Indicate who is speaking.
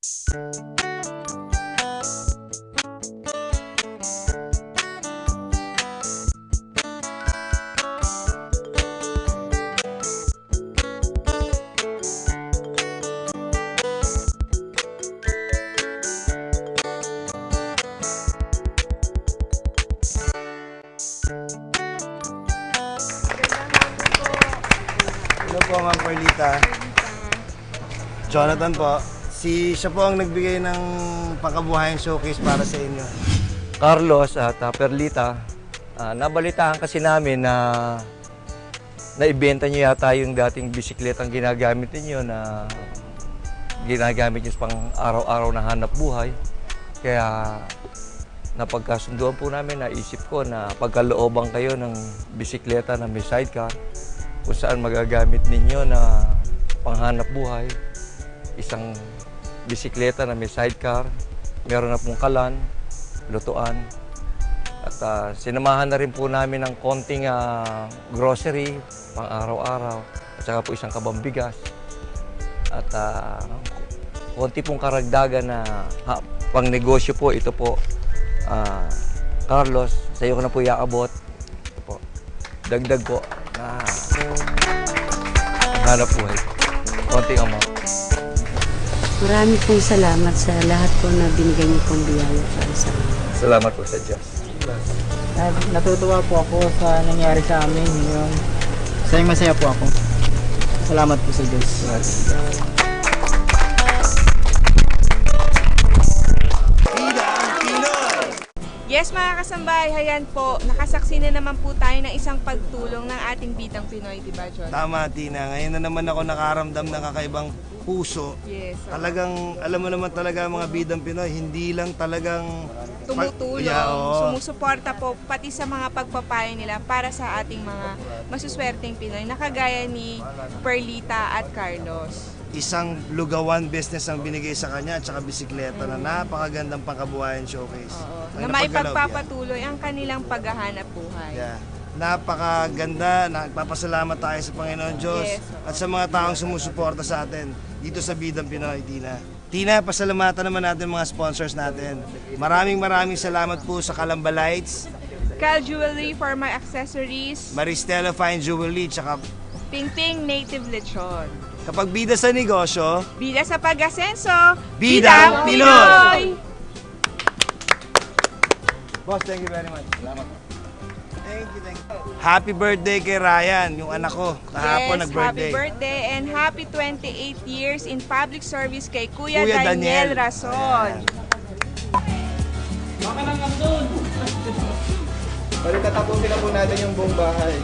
Speaker 1: Hello po, Ma'am Perlita. Jonathan po. Siya po ang nagbigay ng pangkabuhayan showcase para sa inyo.
Speaker 2: Carlos at Perlita, nabalitaan kasi namin na naibenta niyo yata yung dating bisikletang ginagamit niyo na ginagamit niyo pang araw-araw na hanap buhay. Kaya napagkasunduan po namin, naisip ko na pagkalooban kayo ng bisikleta na may sidecar, kung saan magagamit ninyo na panghanap buhay, isang bisikleta na may sidecar, meron na pong kalan, lutuan, at sinamahan na rin po namin ng konting grocery, pang araw-araw, at saka po isang kabang bigas, at konti pong karagdagan na pang negosyo po, ito po, Carlos, sa iyo ko na po iakabot, ito po, dagdag po, hanap buhay, konting amount.
Speaker 3: Marami pong salamat sa lahat po na binigay niyo pong biyaya para sa amin.
Speaker 2: Salamat po sa Diyos.
Speaker 4: Natutuwa po ako sa nangyari sa amin. Masaya po ako. Salamat po sa Diyos.
Speaker 5: Yes mga kasambay, hayan po, nakasaksi na naman po tayo ng isang pagtulong ng ating Bidang Pinoy, di ba John?
Speaker 1: Tama, Tina. Ngayon na naman ako nakaramdam ng kakaibang puso.
Speaker 5: Yes.
Speaker 1: Talagang, alam mo naman talaga mga bidang Pinoy, hindi lang talagang
Speaker 5: Tumutulong,
Speaker 1: oo.
Speaker 5: sumusuporta po pati sa mga pagpapayo nila para sa ating mga masuswerteng Pinoy na kagaya ni Perlita at Carlos.
Speaker 1: Isang lugawan business ang binigay sa kanya at saka bisikleta na napakagandang pangkabuhayan showcase.
Speaker 5: Na may pagpapatuloy ang kanilang paghahanap buhay.
Speaker 1: Yeah. Napakaganda, nagpapasalamat tayo sa Panginoon Diyos
Speaker 5: Yes.
Speaker 1: at sa mga taong sumusuporta sa atin dito sa Bidang Pinoy, Tina. Tina, pasalamatan naman natin mga sponsors natin. Maraming salamat po sa Calamba Lights,
Speaker 5: Cal Jewelry for my accessories,
Speaker 1: Maristela Fine Jewelry, tsaka
Speaker 5: Ping Ping Native Lechon.
Speaker 1: kapag bida sa negosyo,
Speaker 5: Bida sa pag-asenso,
Speaker 1: Bidang Pinoy! Boss, thank you very much. Salamat. Thank you. Happy birthday kay Ryan, yung anak ko. Kahapon
Speaker 5: Yes,
Speaker 1: nag-birthday.
Speaker 5: happy birthday and happy 28 years in public service kay Kuya,
Speaker 1: Kuya
Speaker 5: Daniel
Speaker 1: Daniel.
Speaker 5: Rason.
Speaker 4: Bali tatapusin na po natin yung buong bahay.